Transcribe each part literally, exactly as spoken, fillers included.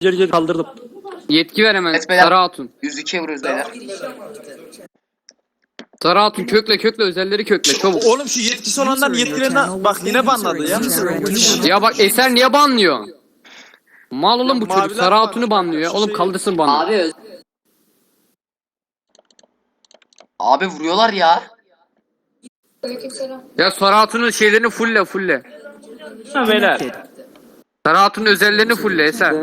Geri geri kaldırdım. Yetki ver hemen. Evet beyler. Sarı Hatun. yüz ikiye vuruyoruz beyler. Sarı Hatun kökle kökle özelleri kökle çabuk. Oğlum şu yetkisi olanların yetkilerini bak yine banladı ya. Ya bak Eser niye banlıyor? Mal oğlum bu çocuk. maviler Sarı var. Hatun'u banlıyor ya. Oğlum Şey- kaldırsın banı. Abi öz- Abi vuruyorlar ya. Ya Sarı Hatun'un şeylerini fulle fulle. Ha beyler. Sarı Hatun'un özellerini fulle Eser.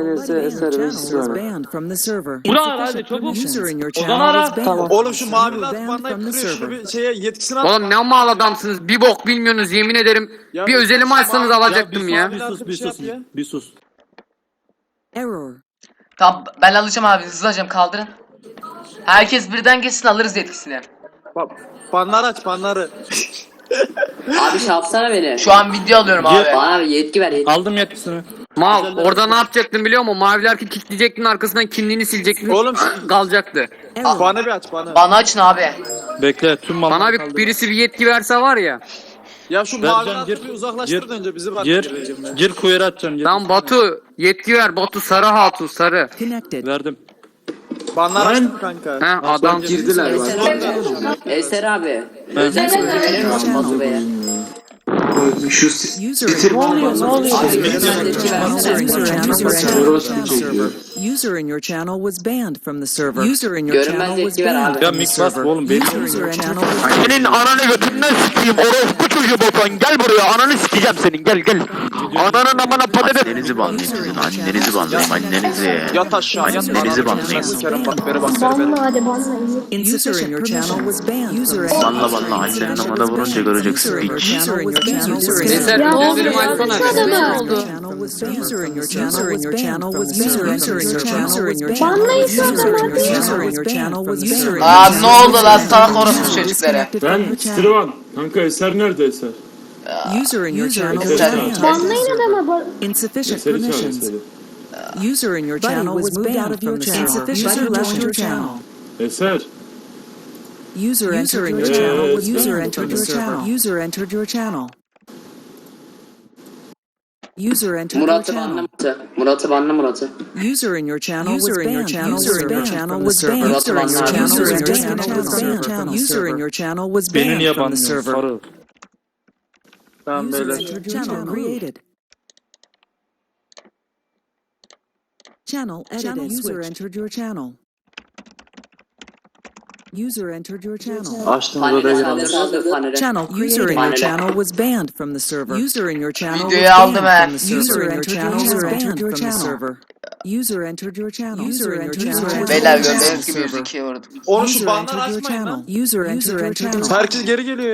Burak hadi çabuk. Ozan ara. Tamam. Oğlum şu maviler banlayıp kırıyor şunu bir şeye yetkisini at. Oğlum ne mal adamsınız. Bir bok bilmiyorsunuz yemin ederim. Ya Bir bir- özelimi açsanız alacaktım ya. Bir sus bir sus bir sus. Error. Tamam ben alacağım abi, hızlı alacağım, kaldırın. Herkes birden geçsin, alırız yetkisini. Bak fanlar aç fanları. abi şey yapsana beni. Şu an video alıyorum abi. Bana bir yetki ver yetki. Aldım yetkisini. Mal orada ne yapacaktın biliyor musun? Maviler ki kilitleyecektin arkasından kimliğini silecektin. Oğlum kalacaktı. Error. fanı bir aç fanı. Bana açın abi. Bekle tüm malları Bana bir kaldır. birisi bir yetki verse var ya. Ya şu maviler bir uzaklaştır önce bizi bırak. Gir, gir kuyruğa atacaksın. Lan Batu yetki ver Batu Sarı Hatun Sarı. Connected. Verdim. Banlar açtım kanka. He adam. Eser, Eser abi. Özel sözü verir misin Batu Bey'e? User Ne oluyor ne oluyor? User Abi biraz yetki versene. User in your channel was banned from the server. User in your Görünmez channel was yetki ver banned abi. Ya from the mix bas server. oğlum benim. User in your channel was Senin ananı götünden sikeyim orospu çocuğu Batuhan gel buraya ananı sikeceğim senin gel gel. Ananın amına patates. Annenizi banlayın sizin, annenizi banlayın, annenizi. Yat aşağı yat. Annenizi banlayın. Sikerim bak beri bak beri beri. Banla hadi banla. User in your channel was banned. User in Banla banla, annenin amına vurunca göreceksin User in your piç. channel was banned. User in Eser Ya özelimi açsana. oldu? User in your channel was banned from the server. User in your channel was banned. Banlayın şu adamı hadi. User in your channel was banned. Aa ne oldu lan salak orospu çocukları. Ben Stirvan. Kanka Eser nerede Eser? User in your channel was Eser. banned. Banlayın adamı. Insufficient Eseri çağır permissions. Eseri. User in your channel was banned from the server. Insufficient left your channel. Eser. User entered your channel was user entered your channel. User entered your channel. User entered your Murat'ı banla channel. Murat'ı. Murat'ı banla Murat'ı. User in your channel was banned. User in your channel was banned. Murat'ı User in your banla. channel User in your was banned. User in your channel was Beni banned niye from the banlıyorsun server. sarı? Tamam User beyler. entered your channel created. Channel edited. User entered your channel. User entered your channel. Açtığınız odaya Panele girelim. saldır panele. Channel user in your Panele. channel was banned from the server. User in your channel was Videoyu aldım banned he. from the server. User in your channel was banned from the server. User entered your channel. User in your channel was Beyler banned from gördüğünüz the gibi yüz server. ikiye vurdum. Oğlum şu User banları entered your açmayın lan. channel. User entered your channel. Herkes geri geliyor.